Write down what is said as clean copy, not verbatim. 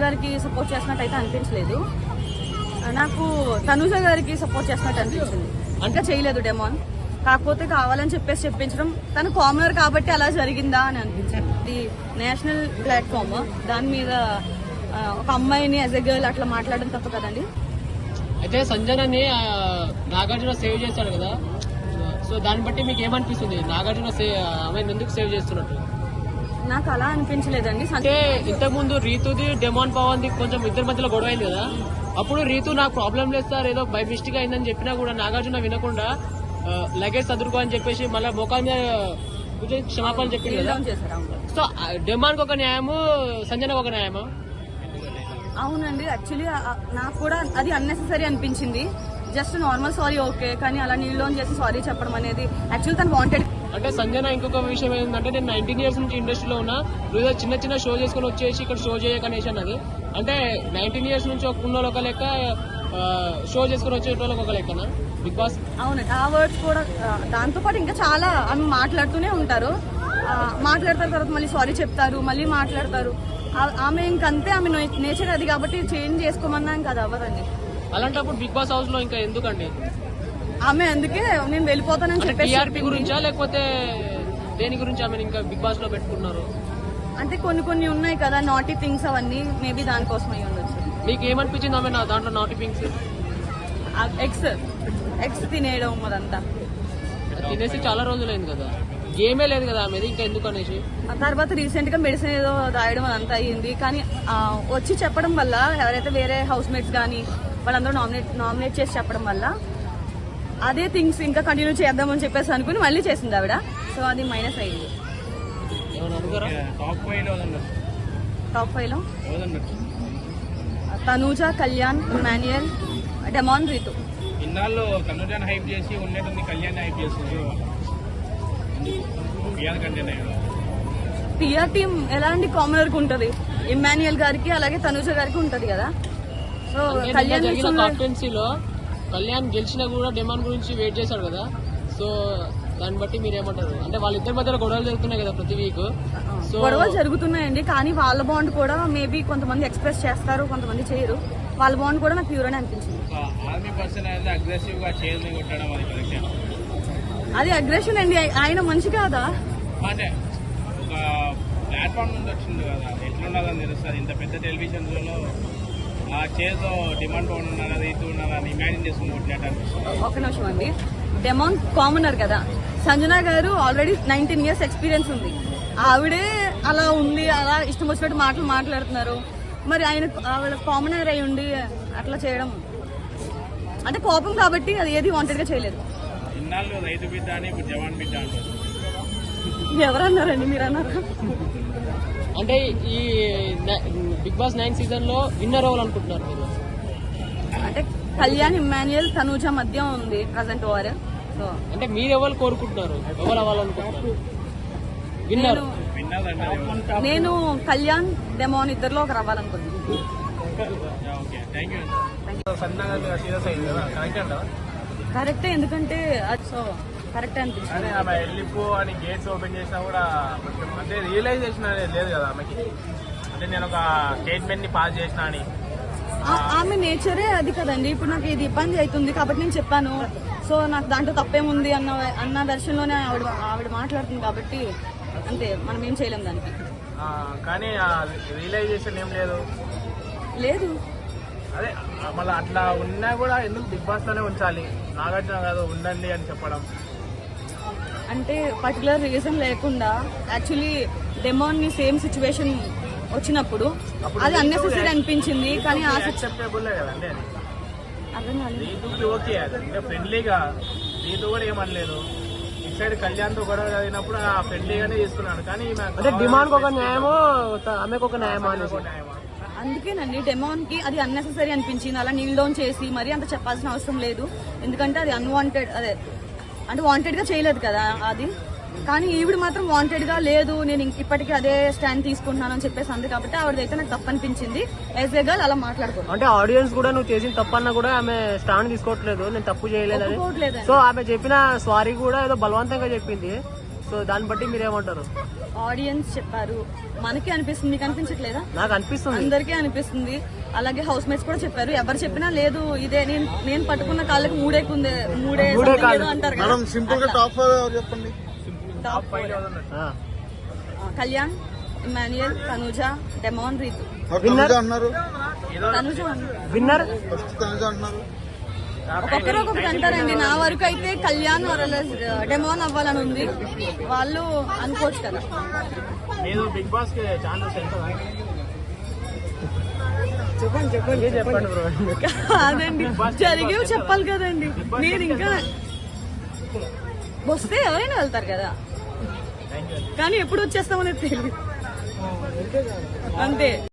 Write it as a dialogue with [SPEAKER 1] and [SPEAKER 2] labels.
[SPEAKER 1] గారికి సపోర్ట్ చేసినట్టు అయితే అనిపించలేదు. నాకు తనుజ గారికి సపోర్ట్ చేసినట్టు అనిపించింది. ఇంకా చేయలేదు డెమోన్, కాకపోతే కావాలని చెప్పేసి చెప్పించడం, తను కామనర్ కాబట్టి అలా జరిగిందా అని అనిపించింది. ఇది నేషనల్ ప్లాట్ఫామ్, దాని మీద ఒక అమ్మాయిని యాజ్ ఎ గర్ల్ అట్లా మాట్లాడడం తప్ప కదండి.
[SPEAKER 2] అయితే సంజనని నాగార్జున సేవ్ చేశాడు కదా, సో దాన్ని బట్టి మీకు ఏమనిపిస్తుంది? నాగార్జున ఆమె ఎందుకు సేవ్ చేస్తున్నట్టు?
[SPEAKER 1] నాకు అలా అనిపించలేదండి.
[SPEAKER 2] అంటే ఇంతకుముందు రీతుది డెమాన్ పవన్ ది కొంచెం ఇద్దరి మధ్యలో గొడవ అయింది కదా, అప్పుడు రీతు నాకు ప్రాబ్లం లేదు సార్ ఏదో బై మిస్టేక్ అయిందని చెప్పినా కూడా నాగార్జున వినకుండా లగేజ్ చదువుకో అని చెప్పేసి మళ్ళీ మోకాల మీద క్షమాపణ చెప్పింది కదా. సో డెమాన్ ఒక న్యాయము, సంజనకు ఒక న్యాయము.
[SPEAKER 1] అవునండి, యాక్చువల్లీ నాకు కూడా అది అన్నెసెసరీ అనిపించింది. జస్ట్ నార్మల్ సారీ ఓకే, కానీ అలా నీళ్ళు చేసి సారీ చెప్పడం అనేది యాక్చువల్లీ తను వాంటెడ్.
[SPEAKER 2] అంటే సంజన ఇంకొక విషయం ఏంటంటే, నేను 19 years నుంచి ఇండస్ట్రీలో ఉన్నా, ఏదో చిన్న చిన్న షో చేసుకుని వచ్చేసి ఇక్కడ షో చేయకనేసి అన్నది. అంటే 19 years నుంచి ఉన్న ఒక లెక్క, షో చేసుకుని వచ్చేటోళ్ళకి ఒక లెక్కనా బిగ్ బాస్?
[SPEAKER 1] అవునండి, ఆ వర్డ్స్ కూడా. దాంతో పాటు ఇంకా చాలా ఆమె మాట్లాడుతూనే ఉంటారు, మాట్లాడతారు తర్వాత మళ్ళీ సారీ చెప్తారు, మళ్ళీ మాట్లాడతారు. ఆమె ఇంకంతే, ఆమె నేచర్ అది కాబట్టి చేంజ్ చేసుకోమన్నా ఇంకా అది అవ్వదండి.
[SPEAKER 2] అలాంటప్పుడు బిగ్ బాస్ హౌస్ లో ఇంకా ఎందుకండి
[SPEAKER 1] ఆమె? అందుకే నేను వెళ్ళిపోతానని చెప్పేసి.
[SPEAKER 2] టీఆర్పీ గురించా లేకపోతే దేని గురించి ఆమె ఇంకా బిగ్ బాస్ లో పెట్టుకున్నారు?
[SPEAKER 1] అంటే కొన్ని ఉన్నాయి కదా నాటీ థింగ్స్, అవన్నీ మేబీ దానికోసమై ఉండొచ్చు.
[SPEAKER 2] మీకు ఏమనిపించింది ఆమె దాంట్లో నాటీ థింగ్స్?
[SPEAKER 1] ఎగ్స్ తినేయడం అదంతా
[SPEAKER 2] తినేసి చాలా రోజులైంది కదా, గేమే లేదు కదా ఆమెది, ఇంకా ఎందుకు అనేసి.
[SPEAKER 1] తర్వాత రీసెంట్ గా మెడిసిన్ ఏదో రాయడం అదంతా అయ్యింది. కానీ వచ్చి చెప్పడం వల్ల ఎవరైతే వేరే హౌస్ మేట్స్ కానీ వాళ్ళందరూ నామినేట్ చేసి చెప్పడం వల్ల అదే థింగ్స్ ఇంకా కంటిన్యూ చేద్దామని చెప్పేసి అనుకుని మళ్ళీ చేసింది ఆవిడ. సో అది మైనస్ అయ్యింది. టాప్ 5 లో తనూజ, కళ్యాణ్, ఇమాన్యుయల్, డెమాన్, రీతు.
[SPEAKER 3] ఇన్నాళ్ళు తనూజాని హైప్ చేసి ఉన్నట్టుంది, కళ్యాణ్ హైప్ చేస్తుంది.
[SPEAKER 1] పిఆర్ టీమ్ ఎలాంటి కామనర్ కు ఉంటది, ఇమాన్యుయల్ గారికి అలాగే తనూజ గారికి ఉంటది కదా. సో కళ్యాణ్
[SPEAKER 2] కాన్ఫరెన్సీలో కళ్యాణ్ గెలిచినా కూడా డెమాన్ గురించి వెయిట్ చేశాడు కదా, సో దాన్ని బట్టి మీరు ఏమంటారు? అంటే వాళ్ళిద్దరి మధ్యలో గొడవలు జరుగుతున్నాయి కదా ప్రతి వీక్. సో
[SPEAKER 1] గొడవలు జరుగుతున్నాయండి, కానీ వాళ్ళ బాండ్ కూడా మేబీ కొంతమంది ఎక్స్ప్రెస్ చేస్తారు, కొంతమంది చేయరు. వాళ్ళ బాండ్ కూడా నాకు ప్యూర్ అని అనిపించింది. అది అగ్రెషన్ అండి, ఆయన మనిషి కాదా?
[SPEAKER 3] అంటే ఒక ప్లాట్ఫామ్ నుంచి వచ్చింది కదా, ఎట్లున్నదని తెలుస్తుంది. ఇంత పెద్ద టెలివిజన్ లో ఆ చేతో డిమాండ్ ఉన్నారా, రీతు ఉన్నారా అని ఇమాజిన్ చేసుకుని కొట్టినట్టు అనిపిస్తుంది.
[SPEAKER 1] ఒక నిమిషం అండి, డెమాన్ కామనర్ కదా, సంజన గారు ఆల్రెడీ 19 years ఎక్స్పీరియన్స్ ఉంది. ఆవిడే అలా ఉంది, అలా ఇష్టం వచ్చినట్టు మాటలు మాట్లాడుతున్నారు. మరి ఆవిడ కామనర్ అయి ఉండి అట్లా చేయడం అంటే కోపం కాబట్టి, అది ఏది వాంటెడ్ గా చేయలేదు.
[SPEAKER 3] ఇన్నాళ్ళు రైతు బిడ్డ అని ఇప్పుడు జవాన్ బిడ్డ అంటారు.
[SPEAKER 1] ఎవరన్నారండి? మీరు అన్నారా?
[SPEAKER 2] అంటే ఈ బిగ్ బాస్ 9 season లో విన్నర్ అవ్వాలనుకుంటున్నారు మీరు?
[SPEAKER 1] అంటే కళ్యాణ్, ఇమాన్యుయల్, తనూజ మధ్య ఉంది ప్రజెంట్ ఓవర్. సో
[SPEAKER 2] అంటే మీరు ఎవరు కోరుకుంటున్నారు, ఎవరు అవ్వాలనుకుంటున్నారు విన్నర్?
[SPEAKER 1] నేను కళ్యాణ్, డెమాన్ ఇద్దరులో ఒకరు అవ్వాలనుకుంటున్నాను. కరెక్టే, ఎందుకంటే సో కరెక్టే అనిపిస్తుంది.
[SPEAKER 3] ఆమె వెళ్ళిపో అని గేట్స్ ఓపెన్ చేసినా కూడా అంటే రియలైజేషన్ అనేది లేదు కదా ఆమెకి. అంటే నేను ఒక స్టేట్మెంట్ ని పాస్ చేసినా అని.
[SPEAKER 1] ఆమె నేచరే అది కదండి. ఇప్పుడు నాకు ఇది ఇబ్బంది అవుతుంది కాబట్టి నేను చెప్పాను, సో నాకు దాంట్లో తప్పేముంది అన్న దర్శనంలోనే ఆవిడ మాట్లాడుతుంది కాబట్టి అంతే, మనం ఏం చేయలేం దానికి.
[SPEAKER 3] కానీ రియలైజేషన్ ఏం లేదు. అదే మళ్ళీ అట్లా ఉన్నా కూడా ఎందుకు బిగ్ బాస్ లోనే ఉంచాలి, నాగార్జున కాదు ఉండండి అని చెప్పడం
[SPEAKER 1] అంటే పర్టికులర్ రీజన్ లేకుండా. యాక్చువల్లీ డెమాన్ ని సేమ్ సిచ్యువేషన్ వచ్చినప్పుడు అది అన్నెసెసరీ అనిపించింది, కానీ
[SPEAKER 3] యాక్సెప్టబుల్ కదండి.
[SPEAKER 1] అర్థం కాలేదు.
[SPEAKER 3] రీతుకి ఓకే, అంటే ఫ్రెండ్లీగా రీతు కూడా ఏమనలేదు. ఇటు సైడ్ కళ్యాణ్ తో గొడవ చదివినప్పుడు ఆ ఫ్రెండ్లీగానే తీసుకున్నాడు. కానీ
[SPEAKER 2] డిమాండ్ ఒక న్యాయమో ఆమెకు ఒక న్యాయమో
[SPEAKER 1] అందుకేనండి డెమాన్ కి అది అన్నెసెసరీ అనిపించింది. అలా నీల్ డౌన్ చేసి మరీ అంత చెప్పాల్సిన అవసరం లేదు, ఎందుకంటే అది అన్వాంటెడ్, అదే అంటే వాంటెడ్ గా చేయలేదు కదా అది. కానీ ఈవిడ మాత్రం వాంటెడ్ గా లేదు, నేను ఇప్పటికీ అదే స్టాండ్ తీసుకుంటున్నాను అని చెప్పేసి అంది కాబట్టి ఆవిడైతే నాకు తప్పు అనిపించింది. యాజ్ ఏ గర్ల్ అలా మాట్లాడుకో.
[SPEAKER 2] అంటే ఆడియన్స్ కూడా నువ్వు చేసిన తప్పన్నా కూడా ఆమె స్టాండ్ తీసుకోవట్లేదు, నేను తప్పు చేయలేదు. సో ఆమె చెప్పిన సారీ కూడా ఏదో బలవంతంగా చెప్పింది. సో సో దాన్ని బట్టి మీరు ఏమంటారు?
[SPEAKER 1] ఆడియన్స్ చెప్పారు, మనకి అనిపిస్తుంది, మీకు అనిపించట్లేదా?
[SPEAKER 2] నాకు అనిపిస్తుంది.
[SPEAKER 1] అందరికీ అనిపిస్తుంది. అలాగే హౌస్ మేట్స్ కూడా చెప్పారు, ఎవరు చెప్పినా లేదు ఇదే నేను పట్టుకున్న కాళ్ళకి మూడే something ఏదో అంటారు కదా.
[SPEAKER 4] సింపుల్ గా టాప్ చెప్పండి.
[SPEAKER 1] Top four.
[SPEAKER 2] ఆ.
[SPEAKER 1] Kalyan, Emmanuel, Tanuja, Demon, Rithu.
[SPEAKER 4] తనుజ అన్నారు,
[SPEAKER 1] తనుజ అన్నారు.
[SPEAKER 2] విన్నర్
[SPEAKER 4] ఫస్ట్ తనుజ అంటున్నారు.
[SPEAKER 1] ఒక్కొక్కరు ఒక్కొక్కటి అంటారండి. నా వరకు అయితే కళ్యాణ్ డెమాన్ అవ్వాలని ఉంది. వాళ్ళు అనుకోవచ్చు కదా.
[SPEAKER 3] నేను బిగ్ బాస్ కి ఛానల్స్ ఎంత
[SPEAKER 2] చెప్పండి బ్రో.
[SPEAKER 1] కాదండి, జరిగేవి చెప్పాలి కదండి. నేను ఇంకా వస్తే ఎవరైనా వెళ్తారు కదా, కానీ ఎప్పుడు వచ్చేస్తామనేది తెలియదు అంతే.